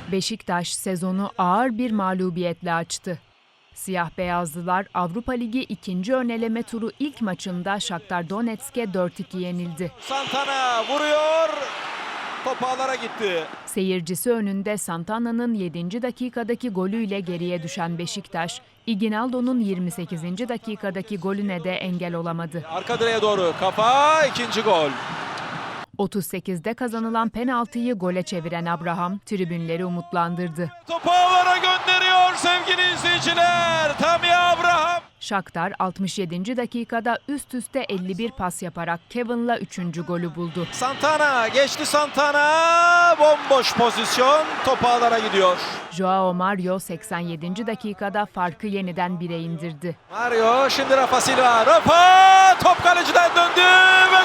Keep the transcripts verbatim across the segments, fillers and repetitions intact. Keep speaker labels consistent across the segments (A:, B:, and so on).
A: Beşiktaş sezonu ağır bir mağlubiyetle açtı. Siyah beyazlılar Avrupa Ligi ikinci öneleme turu ilk maçında Shakhtar Donetsk'e dört iki yenildi.
B: Santana vuruyor. Top ağlara gitti.
A: Seyircisi önünde Santana'nın yedinci dakikadaki golüyle geriye düşen Beşiktaş, Iguinaldo'nun yirmi sekizinci dakikadaki golüne de engel olamadı.
B: Arka direğe doğru kafa, ikinci gol.
A: otuz sekizde kazanılan penaltıyı gole çeviren Abraham tribünleri umutlandırdı.
B: Topu ağlara gönderiyor sevgili izleyiciler. Tammy Abraham.
A: Shakhtar altmış yedinci dakikada üst üste elli bir pas yaparak Kevin'la üçüncü golü buldu.
B: Santana geçti Santana. Bomboş pozisyon. Top ağlara gidiyor.
A: Joao Mario seksen yedinci dakikada farkı yeniden bire indirdi.
B: Mario şimdi Rafa Silva. Rafa top kaleciden döndü ve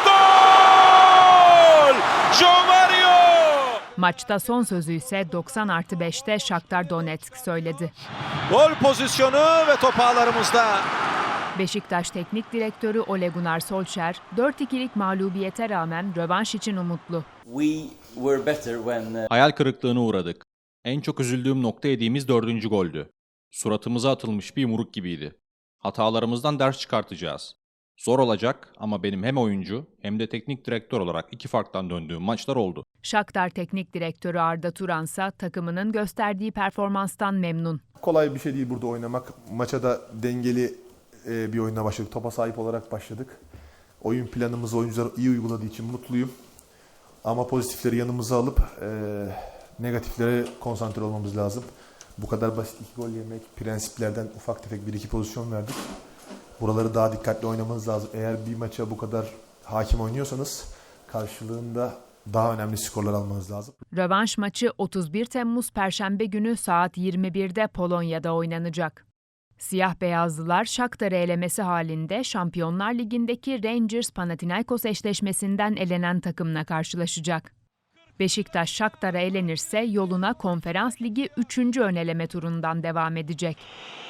B: gol! Joao Mario!
A: Maçta son sözü ise doksan artı beşte Shakhtar Donetsk söyledi.
B: Gol pozisyonu ve top ağlarımızda.
A: Beşiktaş Teknik Direktörü Ole Gunnar Solskjaer dört ikilik mağlubiyete rağmen rövanş için umutlu.
C: We were better when uh,
D: Hayal kırıklığına uğradık. En çok üzüldüğüm nokta yediğimiz dördüncü goldü. Suratımıza atılmış bir yumruk gibiydi. Hatalarımızdan ders çıkartacağız. Zor olacak ama benim hem oyuncu hem de teknik direktör olarak iki farktan döndüğüm maçlar oldu.
A: Shakhtar Teknik Direktörü Arda Turan ise takımının gösterdiği performanstan memnun.
E: Kolay bir şey değil burada oynamak. Maça da dengeli bir oyuna başladık. Topa sahip olarak başladık. Oyun planımızı oyuncular iyi uyguladığı için mutluyum. Ama pozitifleri yanımıza alıp e, negatiflere konsantre olmamız lazım. Bu kadar basit iki gol yemek, prensiplerden ufak tefek bir iki pozisyon verdik. Buraları daha dikkatli oynamanız lazım. Eğer bir maça bu kadar hakim oynuyorsanız karşılığında daha önemli skorlar almanız lazım.
A: Rövanş maçı otuz bir Temmuz Perşembe günü saat yirmi birde Polonya'da oynanacak. Siyah beyazlılar Shakhtar'ı elemesi halinde Şampiyonlar Ligi'ndeki Rangers-Panathinaikos eşleşmesinden elenen takımla karşılaşacak. Beşiktaş Shakhtar'a elenirse yoluna Konferans Ligi üçüncü öneleme turundan devam edecek.